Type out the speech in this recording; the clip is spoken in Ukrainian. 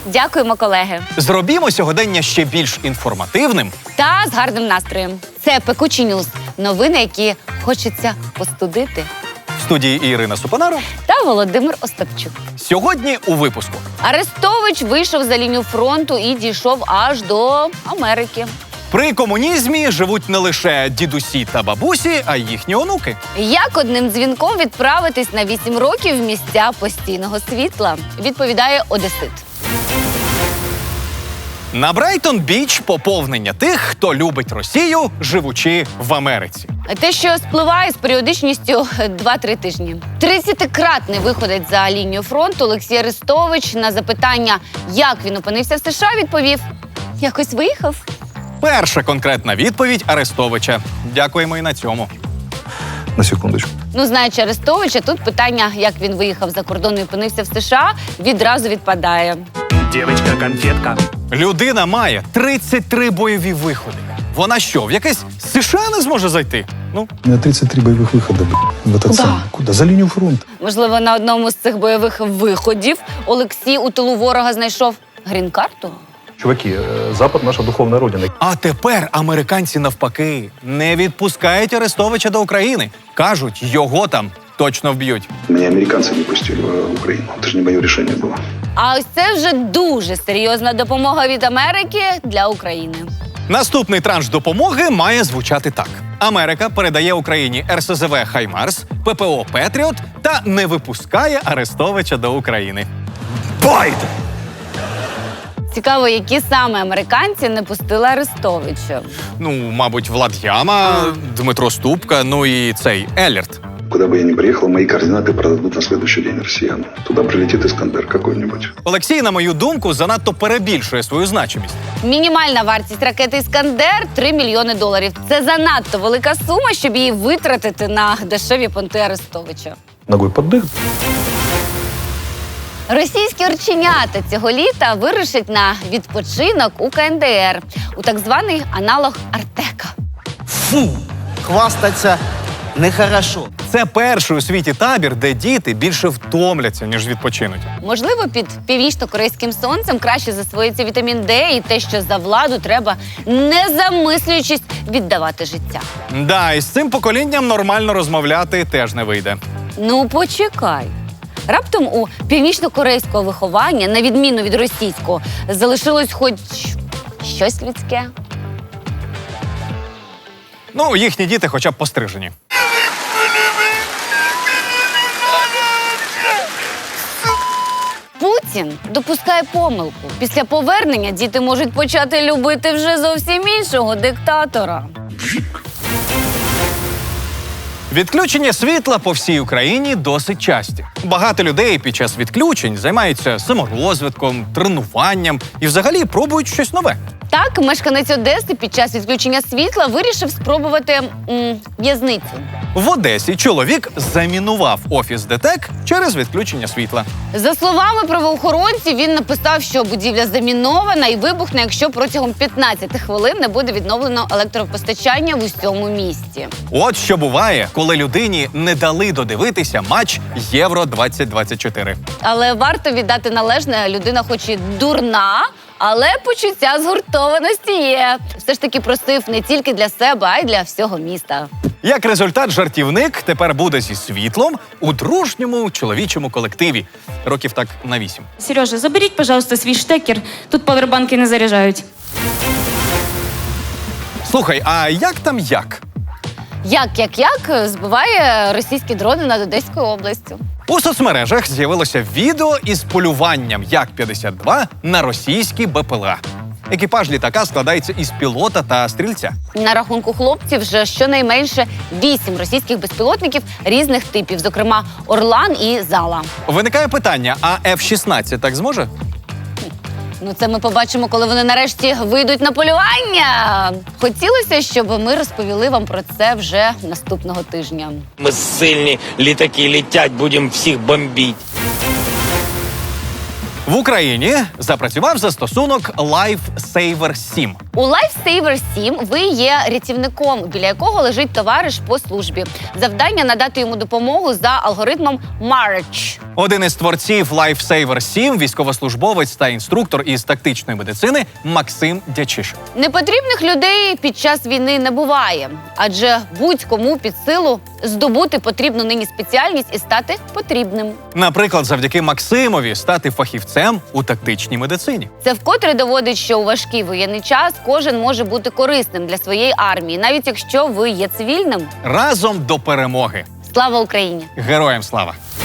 Дякуємо, колеги. Зробімо сьогодення ще більш інформативним. Та з гарним настроєм. Це «Пекучі Ньюз». Новини, які хочеться постудити. В студії Ірина Супонаро. Та Володимир Остапчук. Сьогодні у випуску. Арестович вийшов за лінію фронту і дійшов аж до Америки. При комунізмі живуть не лише дідусі та бабусі, а й їхні онуки. Як одним дзвінком відправитись на 8 років в місця постійного світла? Відповідає одесит. На Брайтон-Біч поповнення тих, хто любить Росію, живучи в Америці. Те, що спливає з періодичністю 2-3 тижні. 30-кратний виходець за лінію фронту Олексій Арестович на запитання, як він опинився в США, відповів: якось виїхав. Перша конкретна відповідь Арестовича. Дякуємо і на цьому. На секундочку. Знаючи Арестовича, тут питання, як він виїхав за кордон і опинився в США, відразу відпадає. Дівчинка-конфетка. Людина має 33 бойові виходи. Вона що, в якесь США не зможе зайти? У меня 33 боевых выхода, в этот Куда? самый. Куда? За линию фронта. Можливо, на одному з цих бойових виходів Олексій у тилу ворога знайшов грін-карту? Чуваки, Запад наша духовная родина. А тепер американці навпаки не відпускають Арестовича до України. Кажуть, його там точно вб'ють. Меня американцы не пустили в Украину. Это же не мое решение было. А ось це вже дуже серйозна допомога від Америки для України. Наступний транш допомоги має звучати так. Америка передає Україні РСЗВ «Хаймарс», ППО «Петріот» та не випускає Арестовича до України. Байден! Цікаво, які саме американці не пустили Арестовича. Мабуть, Влад Яма, Дмитро Ступка, і цей Еллерт. Куда бы я ни приехал, мои координаты продадут на следующий день россиянам. Туда прилетит Искандер какой-нибудь. Олексій, на мою думку, занадто перебільшує свою значимість. Мінімальна вартість ракети «Іскандер» – $3 мільйони. Це занадто велика сума, щоб її витратити на дешеві понти Арестовича. Ногой под дых. Російські орченята цього літа вирушать на відпочинок у КНДР, у так званий аналог Артека. Фу! Хвастаться нехорошо. Це перший у світі табір, де діти більше втомляться, ніж відпочинуть. Можливо, під північно-корейським сонцем краще засвоїться вітамін Д і те, що за владу треба, не замислюючись, віддавати життя. Да, і з цим поколінням нормально розмовляти теж не вийде. Почекай. Раптом у північно-корейського виховання, на відміну від російського, залишилось хоч щось людське. Їхні діти хоча б пострижені. Путін допускає помилку. Після повернення діти можуть почати любити вже зовсім іншого диктатора. Відключення світла по всій Україні досить часті. Багато людей під час відключень займаються саморозвитком, тренуванням і взагалі пробують щось нове. Так, мешканець Одеси під час відключення світла вирішив спробувати в'язницю. В Одесі чоловік замінував офіс ДТЕК через відключення світла. За словами правоохоронців, він написав, що будівля замінована і вибухне, якщо протягом 15 хвилин не буде відновлено електропостачання в усьому місті. От що буває, коли людині не дали додивитися матч Євро-2024. Але варто віддати належне, людина хоч і дурна, але почуття згуртованості є. Все ж таки просив не тільки для себе, а й для всього міста. Як результат, жартівник тепер буде зі світлом у дружньому чоловічому колективі. Років так на 8. Сережа, заберіть, пожалуйста, свій штекер. Тут павербанки не заряджають. Слухай, а як там як? Як збиває російські дрони над Одеською областю. У соцмережах з'явилося відео із полюванням Як-52 на російські БПЛА. Екіпаж літака складається із пілота та стрільця. На рахунку хлопців вже щонайменше 8 російських безпілотників різних типів, зокрема «Орлан» і «Зала». Виникає питання, а F-16 так зможе? Це ми побачимо, коли вони нарешті вийдуть на полювання. Хотілося, щоб ми розповіли вам про це вже наступного тижня. Ми сильні, літаки літять, будемо всіх бомбити. В Україні запрацював застосунок LifeSaver 7. У Lifesaver 7 ви є рятівником, біля якого лежить товариш по службі. Завдання – надати йому допомогу за алгоритмом March. Один із творців Lifesaver 7 – військовослужбовець та інструктор із тактичної медицини Максим Дячишин. Непотрібних людей під час війни не буває, адже будь-кому під силу здобути потрібну нині спеціальність і стати потрібним. Наприклад, завдяки Максимові стати фахівцем у тактичній медицині. Це вкотре доводить, що у важкий воєнний час кожен може бути корисним для своєї армії, навіть якщо ви є цивільним. Разом до перемоги! Слава Україні! Героям слава!